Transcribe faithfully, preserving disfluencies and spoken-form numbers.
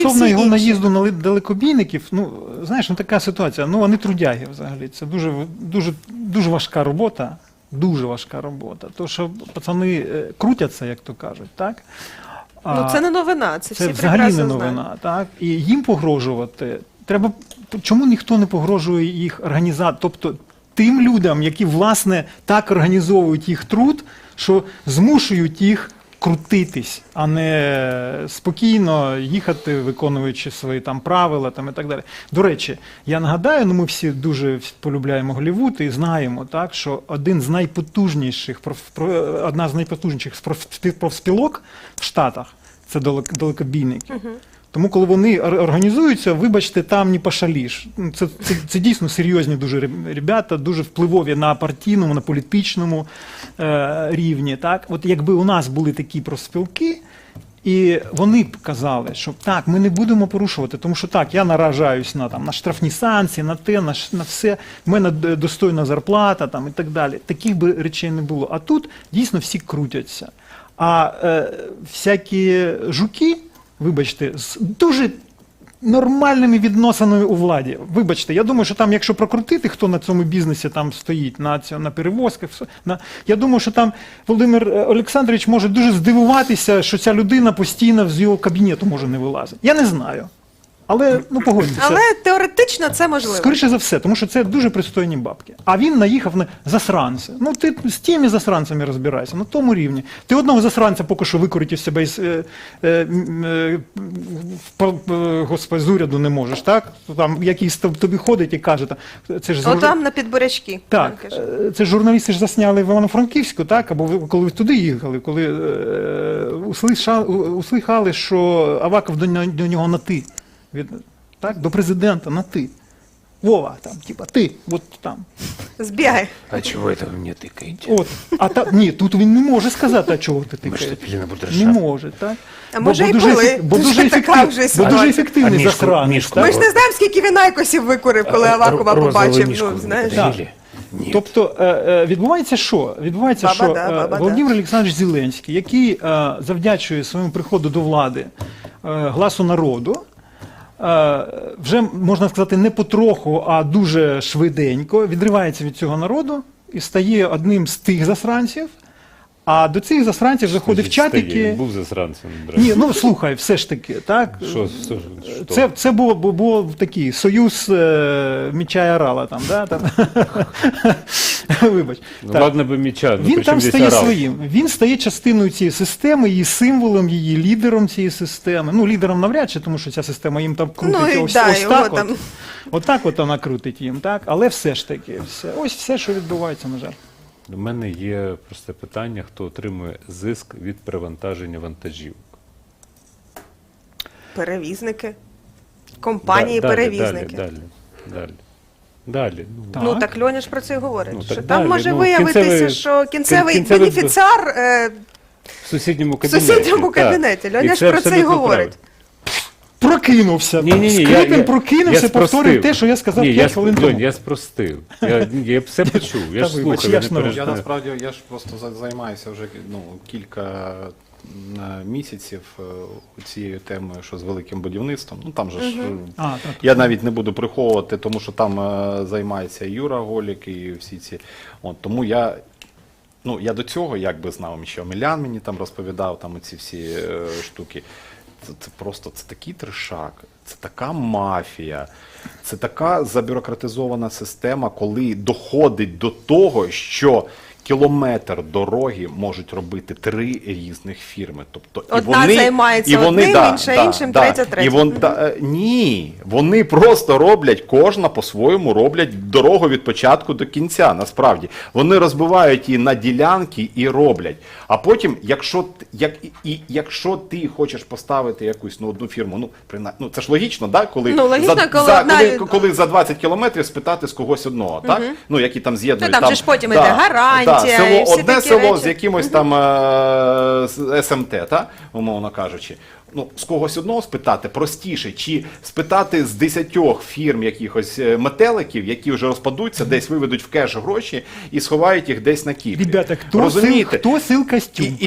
Стосовно всі його інші. наїзду на ли- далекобійників, ну, знаєш, ну така ситуація, ну вони трудяги взагалі, це дуже, дуже, дуже важка робота, дуже важка робота, то що пацани е, крутяться, як то кажуть, так? Ну, це не новина, це, Це всі взагалі не прекрасно новина, знають. так? І їм погрожувати треба. Чому ніхто не погрожує їх організаторам, тобто тим людям, які власне так організовують їх труд, що змушують їх крутитись, а не спокійно їхати, виконуючи свої там правила там і так далі. До речі, я нагадаю, ну ми всі дуже полюбляємо Голлівуд і знаємо, так, що один з найпотужніших проф- про- одна з найпотужніших профспі- профспілок в Штатах це далек- далекобійники. Тому, коли вони ор- організуються, вибачте, там не пошаліш. Ну, Це, це, це дійсно серйозні дуже реб- ребята, дуже впливові на партійному, на політичному е, рівні. Так? От якби у нас були такі профспілки, і вони б казали, що так, ми не будемо порушувати, тому що так, я наражаюсь на, там, на штрафні санкції, на те, на, ш- на все, в мене д- достойна зарплата там, і так далі. Таких би речей не було. А тут дійсно всі крутяться. А е, всякі жуки, вибачте, з дуже нормальними відносинами у владі. Вибачте, я думаю, що там, якщо прокрутити, хто на цьому бізнесі там стоїть, на, цьо- на перевозках, все, на, я думаю, що там Володимир е, Олександрович може дуже здивуватися, що ця людина постійно з його кабінету може не вилазити. Я не знаю. Але, ну, погодьтеся. Але теоретично це можливо. Скоріше за все, тому що це дуже пристойні бабки. А він наїхав на засранці. Ну ти з тими засранцями розбирайся, на тому рівні. Ти одного засранця поки що викорити з себе із, е, е, м, е, в- е, господи, з уряду не можеш, так? Там якийсь тоб- тобі ходить і каже, та, це ж О, жур- там на підборячки. так, там каже. е, це ж журналісти ж засняли в Івано-Франківську, так? Або ви- коли ви туди їхали, коли е, услиша- у- услихали, що Аваков до, нього- до нього на ти. Від, так, до президента на ти. Вова, там, типа, ти, от там. Збігай. А чего это вы мне тыкаете? От. А та, ні, тут він не може сказати, а чого ти Мы тикаєш. что, пили на Не будершафт? може, так? А може і дуже, пили. ефек- бо Ти дуже, ж така ефектив, вже бо ситуація. дуже ефективний А мішку- засранець. мішку так? Ми ж не знаємо, скільки він айкосів викурив, коли Авакова Р- розовую побачив. мишку Ну, вы знаєш. подарили? Нет. Тобто е, е, відбувається що? Відбувається, Баба що да, е, баба да. Володимир Олександрович Зеленський, який е, завдячує своєму приходу до влади е, Гласу народу, е, вже, можна сказати, не потроху, а дуже швиденько відривається від цього народу і стає одним з тих засранців, а до цих засранців заходить в чатики. Він був засранцем. до речі. Ні, ну слухай, все ж таки, так? Що, що, що? Це, це було, бу- було такий союз е, міча і орала там, да? Там. Вибач. Ну, Так. ладно би міча, ну, Він при там чому здесь стає орал? своїм. Він стає частиною цієї системи, її символом, її лідером цієї системи. Ну, лідером навряд чи, тому що ця система їм там крутить Ну, і ось, да, ось його так. там. От. Отак от вона крутить їм, так? Але все ж таки, все. Ось все, що відбувається, на жаль. У мене є просте питання, хто отримує зиск від перевантаження вантажів. Перевізники. Да- Компанії-перевізники. Далі, далі, далі. Далі. Ну, Так. Ну так Льоня ж про це і говорить. Ну, що так там далі. може Ну, виявитися, кінцевий- що кінцевий, кінцевий- бенефіціар е, в сусідньому в кабінеті. сусідньому так. кабінеті. І Льоня це ж про це і абсолютно говорить. правильно. Прокинувся. Ні, ні, ні, Скрипін я, я, прокинувся, я повторив спростив. те, що я сказав Ні, я, п'ять сп- хвилин Льонь, тому. я спростив. Я, я все почув, я Та ж вибач, слухав, я я ж не народ. Я перестаю. насправді я ж просто за- займаюся вже ну, кілька е, місяців е, цією темою, що з великим будівництвом. Ну там же ж е, А, так. я навіть не буду приховувати, тому що там е, займається і Юра Голік і всі ці. От, тому я. Ну, я до цього якби знав, що Омелян мені там розповідав там оці всі е, штуки. Це, це просто це такий трешак, це така мафія, це така забюрократизована система, коли доходить до того, що кілометр дороги можуть робити три різних фірми. Тобто, Одна займається одним, інша іншим, третя третім. І вон, да, е, ні, вони просто роблять, кожна по-своєму роблять дорогу від початку до кінця, насправді. Вони розбивають її на ділянки і роблять. А потім, якщо, т- як, і, і, якщо ти хочеш поставити якусь ну, одну фірму, ну, принаймні, ну це ж логічно, да? коли, Ну, логічно, за, коли за, одна- коли, коли за двадцять кілометрів спитати з когось одного, так? Ну, які там з'єднують. Ну, там же ж потім іде гарантія да, село, і всі одне такі село речі. з якимось там е, з СМТ, та, умовно кажучи. Ну, з когось одного спитати простіше, чи спитати з десятьох фірм якихось е, метеликів, які вже розпадуться, десь виведуть в кеш гроші і сховають їх десь на кіпі. Ребята, хто сил, Розумієте? хто сил костюм? І-